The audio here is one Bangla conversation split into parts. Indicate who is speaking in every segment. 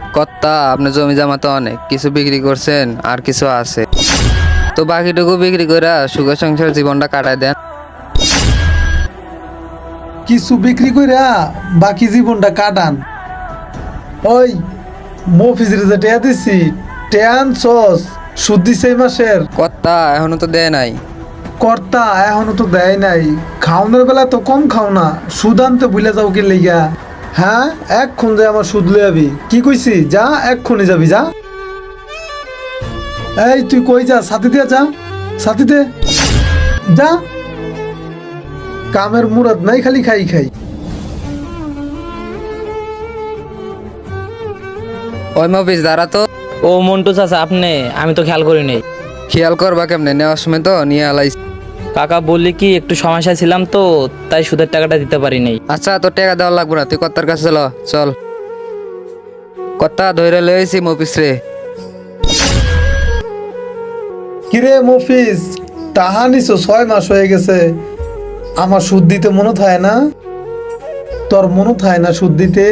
Speaker 1: কর্তা আপনার জমি জমা তো অনেক, কিছু বিক্রি করছেন আর কিছু আছে, তো বাকিটুকু বিক্রি করে সুখে সংসার জীবনটা কাটায় দেন।
Speaker 2: কিছু বিক্রি কইরা বাকি জীবনটা কাটান। ওই মফিজের যে টেয়া দিছি, টেয়ান সস সুদ দিছে এই মাসের।
Speaker 1: কর্তা এখনো তো দেয় নাই।
Speaker 2: কর্তা এখনো তো দেয় নাই। খাওনের বেলা তো কম খাও না, সুদ আনতে ভুলে যাও কি লেগা? হ্যাঁ, এক্ষণ যে আমার সুদ লই যাবি, কি কইছি? যা, এক্ষুনি যাবি, যা। এই তুই কই যা? সাথে দিয়ে যা, সাথে দে, যা। কামের মুরাদ নাই, খালি খাই খাই।
Speaker 1: ওই মফিজ দাঁড়া তো।
Speaker 3: ও মন্টু চাচা, আপনি? আমি তো খেয়াল করি নাই।
Speaker 1: খেয়াল করবা কেমনে, নেওয়ার সময় তো নিয়ে আলাইছি।
Speaker 3: কাকা বললি কি একটু সমস্যা ছিলাম তো, তাই সুদের টাকাটা দিতে পারি নাই।
Speaker 1: আচ্ছা, তোর টাকা দেওয়া লাগবে না, তুই কর্তার কাছে চল। চল কর্তা, ধরে লইছি মফিস রে।
Speaker 2: কিরে মফিজ, টাহা নিছো 6 মাস হয়ে গেছে, আমার সুদ দিতে মনে থাকে না? তোর মনে থাকে না সুদ দিতে?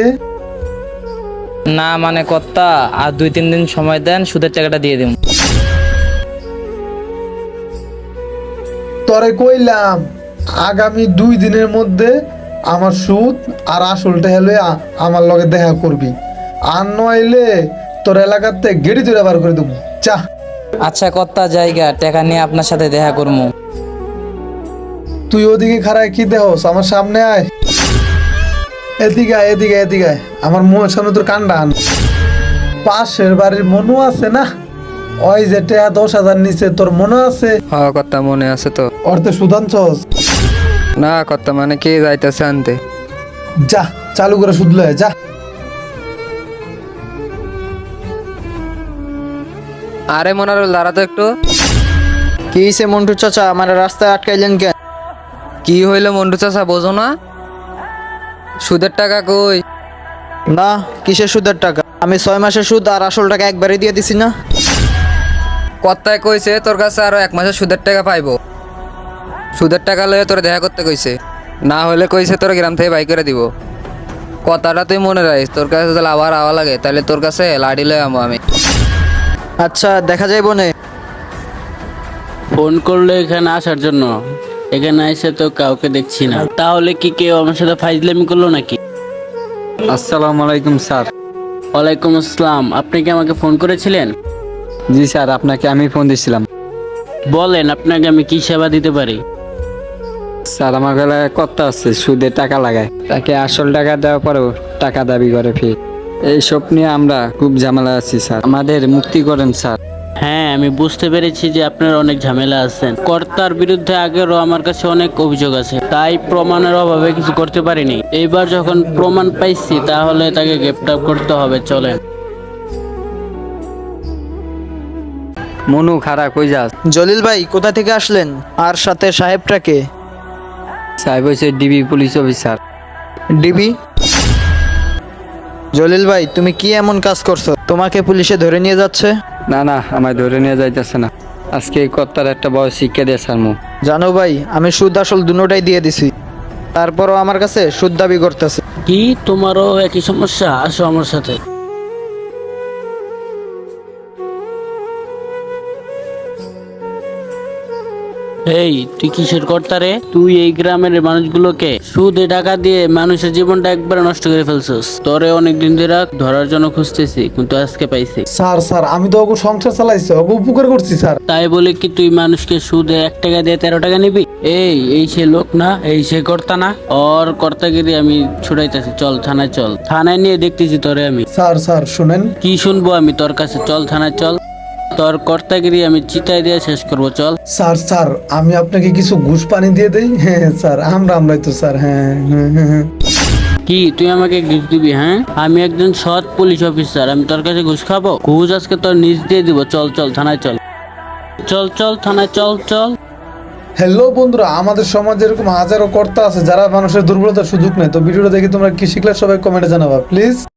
Speaker 3: না মানে কর্তা, আর 2-3 দিন সময় দেন, সুদের টাকাটা দিয়ে দিন।
Speaker 2: তোরে কইলাম আগামী 2 দিনের মধ্যে আমার সুদ আর আসলটা হলে আমার লগে দেখা করবি, আর নইলে তোর এলাকাতে গেড়ি তুই বার করে দেবো। চা।
Speaker 3: আচ্ছা কর্তা, জায়গা টাকা নিয়ে আপনার সাথে দেখা করবো।
Speaker 2: তুই ওদিকে খারায় কি দেহস? আমার সামনে আয়, এদিকে আয়, এদিকে এদিকে আয়। আমার মুখের সামনে তোর কান্ডা আন। পাশের বাড়ির মনু আছে না, ওই যে টেয়া 10,000 নিচে, তোর মনে আছে?
Speaker 1: হ কর্তা, মনে আছে তো।
Speaker 2: অর্থে সুদানছস?
Speaker 1: না কর্তা, মানে কে যাইতেছে আনতে।
Speaker 2: যা, চালু করে সুদ লয়, যা।
Speaker 1: আরে মনারুল, দাঁড়া তো একটু।
Speaker 4: কি হইছে মন্টু চাচা, আমার রাস্তায় আটকাইলেন কেন?
Speaker 1: কি হইলো মন্টু চাচা, বোঝো না? সুদের টাকা কই?
Speaker 4: না, কিসের সুদের টাকা? আমি 6 মাসের সুদ আর আসল টাকা একবারে দিয়ে দিছি না।
Speaker 1: কর্তায় কইছে তোর কাছে আরো 1 মাসের সুদের টাকা পাইবো। সুদের টাকা লয়ে তোর দেখা করতে কইছে, না হলে কইছে তোর গ্রাম থেকে বাই করে দিব। কথাটা তুই মনে রাখিস, তোর কাছে যদি আবার আওয়া লাগে তাহলে তোর কাছে লাড়ি লয়ে আমো আমি।
Speaker 4: আচ্ছা, দেখা যাইব নে।
Speaker 5: ফোন করলো এখানে আসার জন্য, এখানে এসে তো কাউকে দেখছি না। তাহলে কি কেউ আমার সাথে ফাইজলামি করলো নাকি?
Speaker 6: আসসালামু আলাইকুম স্যার।
Speaker 5: ওয়ালাইকুম আসসালাম। আপনি কি আমাকে ফোন করেছিলেন?
Speaker 6: জি স্যার, আপনাকে আমি ফোন দিয়েছিলাম।
Speaker 5: বলেন, আপনাকে আমি কি সেবা দিতে পারি?
Speaker 6: স্যার, আমার গলায় কর্তা আছে, সুদে টাকা লাগায়, তাকে আসল টাকা দেওয়ার পরেও টাকা দাবি করে ফের। এইসব নিয়ে আমরা খুব ঝামেলা আছি স্যার, আমাদের মুক্তি করেন স্যার।
Speaker 5: হ্যাঁ, আমি বুঝতে পেরেছি যে আপনার অনেক ঝামেলা আছেন। কর্তার বিরুদ্ধে আগেরও আমার কাছে অনেক অভিযোগ আছে, তাই প্রমাণের অভাবে কিছু করতে পারিনি। এইবার যখন প্রমাণ পাইছি, তাহলে তাকে গ্রেপ্তার করতে হবে। চলেন।
Speaker 6: মনু, খারাপ কই যাস?
Speaker 4: জলিল ভাই কোথা থেকে আসলেন? আর সাথে সাহেবটাকে?
Speaker 6: সাহেব হয়েছে DB police officer.
Speaker 4: DB? Jalil ভাই, তুমি কি এমন কাজ করছো, তোমাকে পুলিশে ধরে নিয়ে যাচ্ছে?
Speaker 6: না না, আমায় ধরে নিয়ে যাইতেছে না, আজকে এই কর্তার একটা বড় শিক্ষা দিয়ে স্যার মু।
Speaker 4: জানো ভাই, আমি সুদ আসল দুটোটাই দিয়ে দিছি, তারপরও আমার কাছে সুদ দাবি করতেছে।
Speaker 5: কি, তোমারও একই সমস্যা? আসো আমার সাথে। এই, তুই কিসের কর্তা রে? তুই এই গ্রামের মানুষগুলোকে সুদে টাকা দিয়ে মানুষের জীবনটা একবারে নষ্ট করে ফেলছিস। তোরে অনেকদিন ধরে ধরার জন্য খুঁজতেছি, কিন্তু আজকে পাইছি।
Speaker 2: স্যার, আমি তো ওকে সংসার চালাইছি, ওকে উপকার করছি স্যার।
Speaker 5: তাই বলে কি তুই মানুষকে সুদে 1 টাকা দিয়ে 13 টাকা নিবি? এই সে লোক না, এই সে কর্তা না? ওর কর্তাগিরি আমি ছুটাইতেছি। চল থানায়, চল। থানায় নিয়ে দেখতেছি তোরে আমি।
Speaker 2: স্যার শুনেন।
Speaker 5: কি শুনবো আমি তোর কাছে? চল থানায় চল, তোর কর্তাগিরি আমি চিতায় দিয়ে শেষ করবো। চল।
Speaker 2: স্যার, আমি আপনাকে কিছু ঘুষ পানি দিয়ে দেই? হ্যাঁ স্যার, আমরাই তো স্যার। হ্যাঁ।
Speaker 5: কি, তুই আমাকে ঘুষ দিবি? হ্যাঁ, আমি একজন সৎ পুলিশ অফিসার, আমি তোর কাছে ঘুষ খাবো? ঘুষ আজকে তোর নিজ দিয়ে দিব। চল থানায় চল। চল থানায় চল।
Speaker 2: হ্যালো বন্ধুরা, আমাদের সমাজে এরকম হাজারো কর্তা আছে যারা মানুষের দুর্বলতার সুযোগ নেয়। তো ভিডিওটা দেখে তোমরা কি শিখলে সবাই কমেন্টে জানাবা প্লিজ।